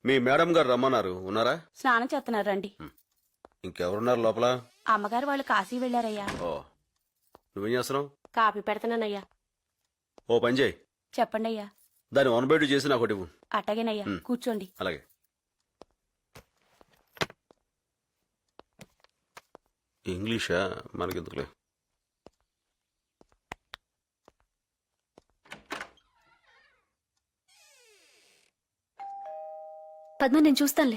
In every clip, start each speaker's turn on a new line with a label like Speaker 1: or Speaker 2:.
Speaker 1: మీ madam గారు రమ్మన్నారు, ఉన్నారా?
Speaker 2: స్నానం చేస్తున్నారు రండి.
Speaker 1: ఇంకెవరున్నారు లోపల?
Speaker 2: అమ్మగారు వాళ్ళు కాశీ వెళ్లారయ్యా.
Speaker 1: ఓ, నువ్వేం చేస్తున్నావు?
Speaker 2: కాపీ పెడతానయ్యా.
Speaker 1: ఓ పని చేయి,
Speaker 2: చెప్పండి అయ్యా.
Speaker 1: దాన్ని 1/2 చేసి నాకు ఒకటి ఇవ్వు.
Speaker 2: అట్టగేనయ్యా, కూర్చోండి.
Speaker 1: అలాగే. ఇంగ్లీషా? మనకెందుకులే.
Speaker 3: పద్మ, నేను చూస్తానులే.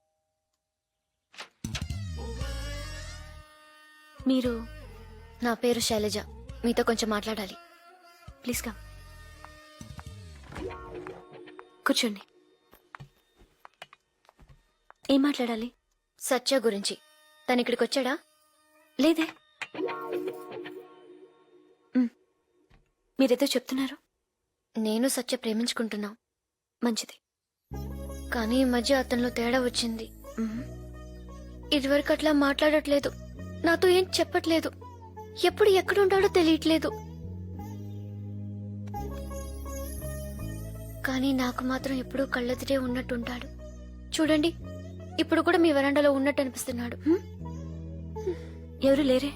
Speaker 3: మీరు?
Speaker 4: నా పేరు శైలజ, మీతో కొంచెం మాట్లాడాలి.
Speaker 3: Please come. కూర్చోండి. ఏం మాట్లాడాలి?
Speaker 4: సత్య గురించి. తను ఇక్కడికి వచ్చాడా?
Speaker 3: లేదే. మీరేదో చెప్తున్నారు.
Speaker 4: నేను సత్య ప్రేమించుకుంటున్నాం.
Speaker 3: మంచిది.
Speaker 4: కానీ ఈ మధ్య అతనిలో తేడా వచ్చింది. ఇదివరకు అట్లా మాట్లాడట్లేదు, నాతో ఏం చెప్పట్లేదు, ఎప్పుడు ఎక్కడుంటాడో తెలియట్లేదు. కానీ నాకు మాత్రం ఎప్పుడూ కళ్ళెదిరే ఉన్నట్టుంటాడు. చూడండి, ఇప్పుడు కూడా మీ వరండాలో ఉన్నట్టు అనిపిస్తున్నాడు.
Speaker 3: ఎవరు లేరే?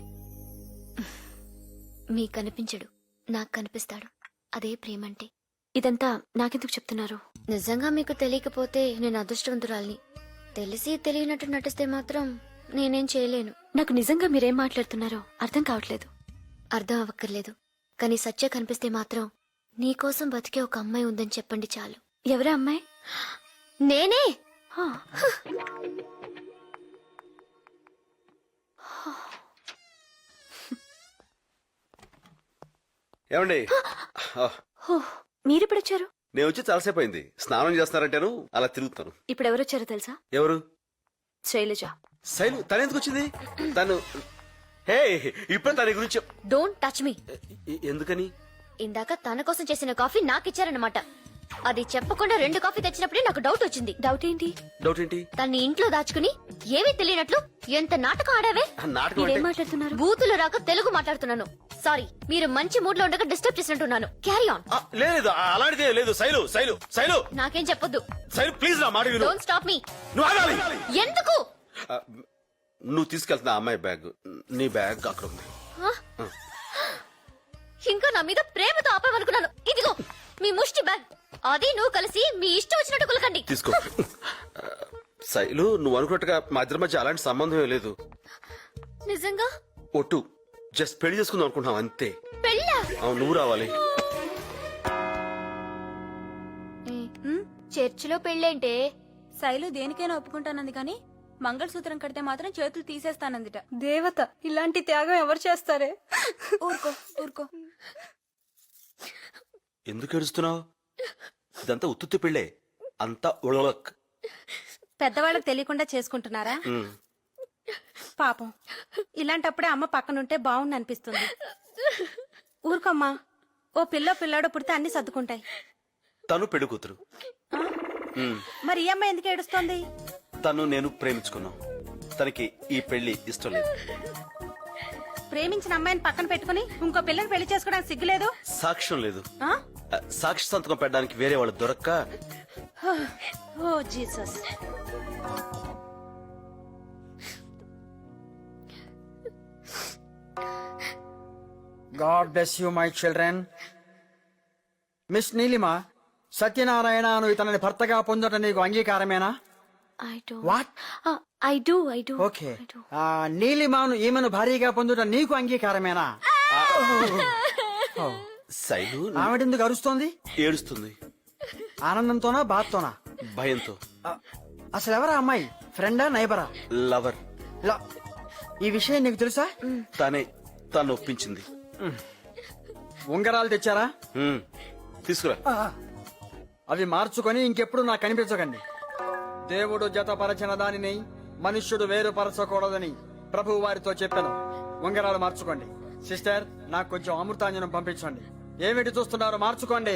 Speaker 4: మీకు కనిపించడు, నాకు కనిపిస్తాడు. అదే ప్రేమంటే.
Speaker 3: ఇదంతా నాకెందుకు చెప్తున్నారు?
Speaker 4: నిజంగా మీకు తెలియకపోతే నేను అదృష్టవంతురాల్ని. తెలిసి తెలియనట్టు నటిస్తే మాత్రం నేనేం చేయలేను.
Speaker 3: నాకు నిజంగా మీరేం మాట్లాడుతున్నారో అర్థం కావట్లేదు.
Speaker 4: అర్థం అవ్వక్కర్లేదు, కానీ సత్య కనిపిస్తే మాత్రం నీకోసం బతికే ఒక అమ్మాయి ఉందని చెప్పండి చాలు.
Speaker 3: ఎవరా అమ్మాయి?
Speaker 4: నేనే.
Speaker 3: హా.
Speaker 1: ఏమండి,
Speaker 3: హో, మీరెప్పుడొచ్చారు?
Speaker 1: నేను వచ్చి చాలాసేపు అయింది. స్నానం చేస్తున్నారంటేను అలా తిరుగుతాను.
Speaker 3: ఇప్పుడు ఎవరొచ్చారో తెలుసా?
Speaker 1: ఎవరు?
Speaker 3: శైలజ.
Speaker 1: శైలు? తనెందుకు వచ్చింది? తను హే, ఇప్పుడు తన గురించి
Speaker 4: డోంట్ టచ్ మీ.
Speaker 1: ఎందుకని?
Speaker 4: ఇందాక తన కోసం చేసిన కాఫీ నాకిచ్చారన్నమాట. అది చెప్పకుండా 2 కాఫీ తెచ్చినప్పుడే నాకు డౌట్ వచ్చింది.
Speaker 3: డౌట్ ఏంటి?
Speaker 1: డౌట్ ఏంటి?
Speaker 4: తన్ని ఇంట్లో దాచుకుని ఏమీ తెలియనట్లు ఎంత నాటకం ఆడావే.
Speaker 1: నాటకం
Speaker 3: మీరేం
Speaker 1: అంటే
Speaker 3: మాట్లాడుతున్నారు?
Speaker 4: బూతులు రాక తెలుగు మాట్లాడుతున్నాను. సారీ, మీరు మంచి మూడ్ లో ఉండగా డిస్టర్బ్ చేసినట్టున్నాను. Carry on.
Speaker 1: లేదు, అలాంటిదే లేదు. శైలు, శైలు, శైలు,
Speaker 4: నాకేం చెప్పొద్దు.
Speaker 1: శైలు ప్లీజ్ నా మాట విను.
Speaker 4: Don't stop me.
Speaker 1: నువ్వు ఆగాలి.
Speaker 4: ఎందుకు?
Speaker 1: నువ్వు తీసుకెళ్తున్నా అమ్మాయి బ్యాగ్, నీ బ్యాగ్ అక్కడ ఉంది.
Speaker 4: ఇంకా నా మీద ప్రేమతో ఆపామనుకున్నాను. ఇదిగో మీ ముష్టి బ్యాగ్. అది నువ్వు కలిసి మీ ఇష్టం వచ్చినట్టు కులకండి.
Speaker 1: తీసుకో. శైలు, నువ్వు అనుకున్నట్టుగా మా ఇద్దరి మధ్య అలాంటి సంబంధం లేదు.
Speaker 4: నిజంగా?
Speaker 1: ఒట్టు, జస్ట్ పెళ్లి చేసుకుందాం అనుకుంటున్నాం అంతే.
Speaker 4: పెళ్ళా?
Speaker 1: అవును, నువ్వు రావాలి.
Speaker 4: చర్చిలో పెళ్ళేంటే?
Speaker 2: శైలు దేనికైనా ఒప్పుకుంటానంది కానీ మంగళసూత్రం కడితే మాత్రం చేతులు తీసేస్తానందిట.
Speaker 3: దేవత, ఇలాంటి త్యాగం ఎవరు చేస్తారే?
Speaker 2: ఊరుకో ఊరుకో.
Speaker 1: ఎందుకు ఏడుస్తున్నావు? ఇదంతా ఉత్తుత్తి పెళ్ళే, అంతా ఉళవక్.
Speaker 2: పెద్దవాళ్ళకి తెలియకుండా చేసుకుంటున్నారా? పాపం, ఇలాంటప్పుడే అమ్మ పక్కనుంటే బాగుండి అనిపిస్తుంది. ఊరుకోమ్మా, ఓ పిల్లాడో పుడితే అన్ని సర్దుకుంటాయి.
Speaker 1: తను పెళ్లి కూతురు.
Speaker 2: మరి ఈ అమ్మాయి ఎందుకు ఏడుస్తోంది?
Speaker 1: తను నేను ప్రేమించుకున్నాం, తనకి ఈ పెళ్లి ఇష్టం లేదు.
Speaker 2: ప్రేమించిన అమ్మాయిని పక్కన పెట్టుకుని ఇంకో పిల్లని పెళ్లి చేసుకోవడానికి సిగ్గులేదు?
Speaker 1: సాక్ష్యం లేదు.
Speaker 2: ఆ?
Speaker 1: సాక్షి సంతకం పెట్టడానికి వేరే వాళ్ళు దొరక్క.
Speaker 2: Oh Jesus.
Speaker 5: God bless you, my children. Miss Neelima, సత్యనారాయణను ఇతనిని భర్తగా పొందటం నీకు అంగీకారమేనా?
Speaker 3: I do.
Speaker 5: What?
Speaker 3: I do.
Speaker 5: Okay. నీలిమను ఈమెను భారీగా పొందటం నీకు అంగీకారమేనా?
Speaker 1: శైలు
Speaker 5: ఆవిడెందుకు అరుస్తోంది?
Speaker 1: ఏడుస్తుంది.
Speaker 5: ఆనందంతోనా, బాధతోనా?
Speaker 1: భయంతో.
Speaker 5: అసలు ఎవరా అమ్మాయి? ఫ్రెండా, నైబరా?
Speaker 1: లవర్.
Speaker 5: ఈ విషయం నీకు తెలుసా?
Speaker 1: తను ఒప్పించింది.
Speaker 5: ఉంగరాలు తెచ్చారా?
Speaker 1: తీసుకురా.
Speaker 5: అవి మార్చుకొని ఇంకెప్పుడు నాకు కనిపించకండి. దేవుడు జతపరచిన దానిని మనుష్యుడు వేరుపరచకూడదని ప్రభు వారితో చెప్పాను. ఉంగరాలు మార్చుకోండి. సిస్టర్, నాకు కొంచెం అమృతాంజనం పంపించండి. ఏమిటి చూస్తున్నారు? మార్చుకోండి.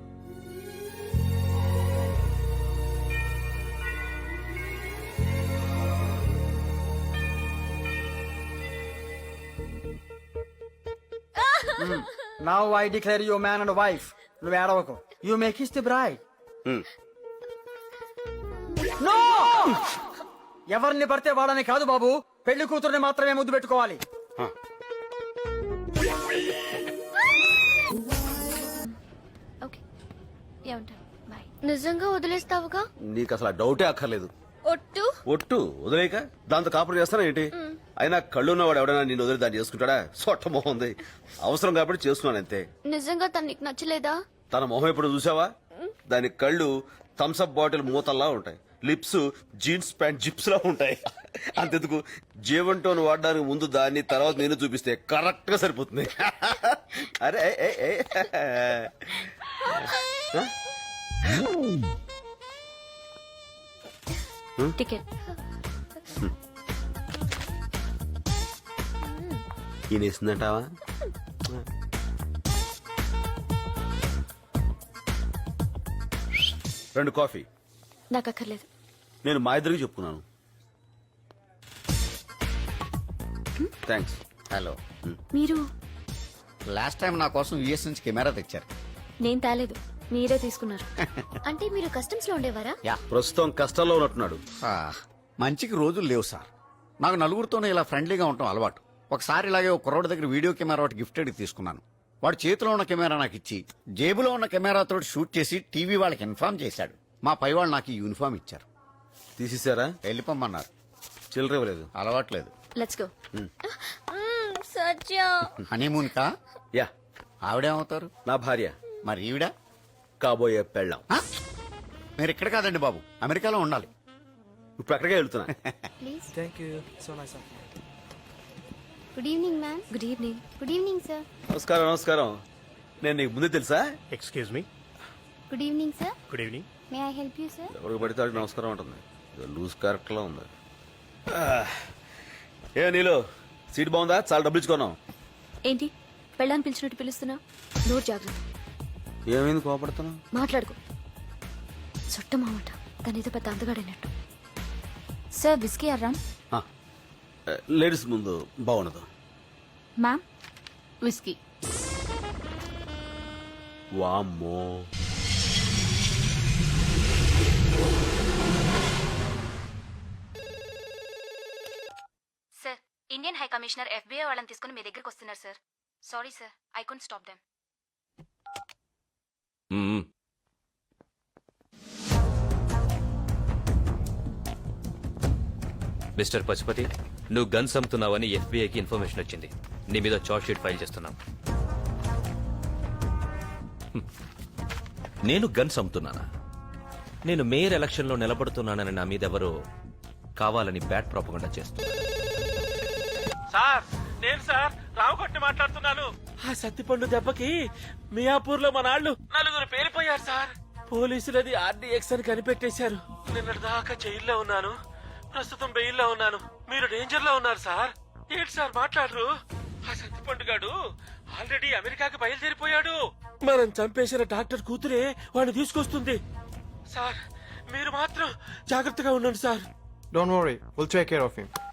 Speaker 5: Now I declare you man and wife. నువ్వు ఏడవకు. You may kiss the bride. ఎవరిని పడితే వాడని కాదు బాబు, పెళ్లి కూతుర్ని మాత్రమే ముద్దు పెట్టుకోవాలి.
Speaker 3: ఓకే ఏమంటారు బాయ్.
Speaker 4: నిజంగా వదిలేస్తావుగా?
Speaker 1: నీకు అసలు ఆ డౌటే అక్కర్లేదు.
Speaker 4: ఒట్టు.
Speaker 1: ఒట్టు వదిలేక దాంతో కాపురం చేస్తానా ఏంటి? అయినా కళ్ళు ఉన్నవాడు ఎవడైనా నిన్ను వదిలి దాన్ని చేసుకుంటాడా? సొట్ట మొహం ఉంది. అవసరం కాబట్టి చేస్తున్నాను అంతే.
Speaker 4: నిజంగా తను నీకు నచ్చలేదా?
Speaker 1: తన మొహం ఎప్పుడు చూసావా? దాని కళ్ళు థమ్స్అప్ బాటిల్ మూతల్లా ఉంటాయి, లిప్స్ జీన్స్ ప్యాంట్ జిప్స్ లా ఉంటాయి. అంతెందుకు జీవన్ టోన్ వాడడానికి ముందు దాన్ని, తర్వాత నేను చూపిస్తే కరెక్ట్ గా సరిపోతుంది. అరే ఏ, ఏ, ఏ.
Speaker 3: టికెట్.
Speaker 1: ఈయన ఇస్తుందంటావా? రెండు కాఫీ.
Speaker 3: నాకు అక్కర్లేదు.
Speaker 1: నేను మా ఇద్దరికి చెప్పుకున్నాను. థ్యాంక్స్.
Speaker 6: హలో,
Speaker 3: మీరు
Speaker 6: లాస్ట్ టైం నా కోసం యుఎస్ నుంచి కెమెరా తెచ్చారు.
Speaker 3: నేను తేలేదు, మీరే తీసుకున్నారు.
Speaker 4: అంటే మీరు కస్టమ్స్ లో ఉండేవారా?
Speaker 1: ప్రస్తుతం కష్టాల్లో ఉన్నట్టున్నాడు.
Speaker 6: ఆ, మంచికి రోజులు లేవు సార్. నాకు నలుగురితోనే ఇలా ఫ్రెండ్లీగా ఉండటం అలవాటు. ఒకసారి ఇలాగే ఒక కుర్రోడి దగ్గర వీడియో కెమెరా ఒకటి గిఫ్టెడ్ తీసుకున్నాను. వాడు చేతిలో ఉన్న కెమెరా నాకు ఇచ్చి జేబులో ఉన్న కెమెరాతో షూట్ చేసి టీవీ వాళ్ళకి ఇన్ఫార్మ్ చేశాడు. మా పై వాళ్ళు నాకు ఈ యూనిఫామ్ ఇచ్చారు.
Speaker 1: తీసేశారా?
Speaker 6: వెళ్ళిపోమన్నారు.
Speaker 1: చిల్లర ఇవ్వలేదు.
Speaker 6: అలవాట్లేదు.
Speaker 3: Let's go.
Speaker 4: సత్య.
Speaker 6: హనీమూన్ కా?
Speaker 1: యా,
Speaker 6: ఆవిడేమవుతారు?
Speaker 1: నా భార్య,
Speaker 6: మరి ఈవిడ?
Speaker 1: కాబోయే పెళ్ళాం.
Speaker 6: ఆ? మీరు ఇక్కడ కాదండి బాబు, అమెరికాలో ఉండాలి.
Speaker 1: ఇప్పుడు అక్కడికే వెళ్తున్నా.
Speaker 4: Please.
Speaker 5: Thank you so nice.
Speaker 4: Good evening ma'am.
Speaker 3: Good evening.
Speaker 4: Good evening sir.
Speaker 1: నమస్కారం. నమస్కారం. నేను నీకు ముందే తెలుసా?
Speaker 7: Excuse me.
Speaker 4: Good evening sir.
Speaker 7: Good evening.
Speaker 4: May I help you sir?
Speaker 1: ఎవరికి పడితే వాడికి నమస్కారం ఉంటుంది. లూజ్ కరెక్ట్ లా ఉంది. ఏ నీలో సీట్ బాగుందా? చాలా డబ్బులు ఇచ్చుకున్నాం.
Speaker 3: ఏంటి పెళ్ళాన్ని పిలిచినట్టు పిలుస్తున్నా? నోరు జాగ్రత్త.
Speaker 1: ఏమైంది కోపడుతున్నావు?
Speaker 3: మాట్లాడుకో. చుట్ట మామట తనేదో పెద్ద అందగాడైనట్టు. సార్ విస్కీ అర్రామ్.
Speaker 1: లేడీస్ ముందు బాగుండదు.
Speaker 3: Ma'am whisky.
Speaker 1: వామ్మో.
Speaker 3: Sir, Indian high commissioner FBI వాళ్ళని తీసుకుని మీ దగ్గరికి వస్తున్నారు sir. Sorry sir, I could stop them.
Speaker 8: Mister Pashupathi, నువ్వు గన్స్ అమ్ముతున్నావని ఎఫ్బీఐకి ఇన్ఫర్మేషన్ వచ్చింది. నీ మీద చార్జ్ షీట్ ఫైల్ చేస్తున్నాం.
Speaker 9: నేను గన్స్ అమ్ముతున్నానా? నేను మేయర్ ఎలక్షన్లో నిలబడుతున్నానని నా మీద ఎవరో కావాలని బ్యాడ్ ప్రాపగండా చేస్తున్నారు.
Speaker 7: సార్, నేను సార్ రావుగొట్టి మాట్లాడుతున్నాను. ఆ సత్తిపండు దెబ్బకి మియాపూర్ లో మన వాళ్ళు 4 పేలిపోయారు సార్. పోలీసులది RDX అని కనిపెట్టేశారు. నిన్నటి దాకా జైల్లో ఉన్నాను, ప్రస్తుతం బెయిల్లో ఉన్నాను. మీరు డేంజర్ లో ఉన్నారు సార్. ఏంటి సార్ మాట్లాడరు? ఆ సత్తిపండు గాడు ఆల్రెడీ అమెరికాకి బయలుదేరిపోయాడు. మనం చంపేసిన డాక్టర్ కూతురే వాడిని తీసుకొస్తుంది. సార్, మీరు మాత్రం జాగ్రత్తగా ఉండండి sir.
Speaker 10: Don't worry, we'll take care of him.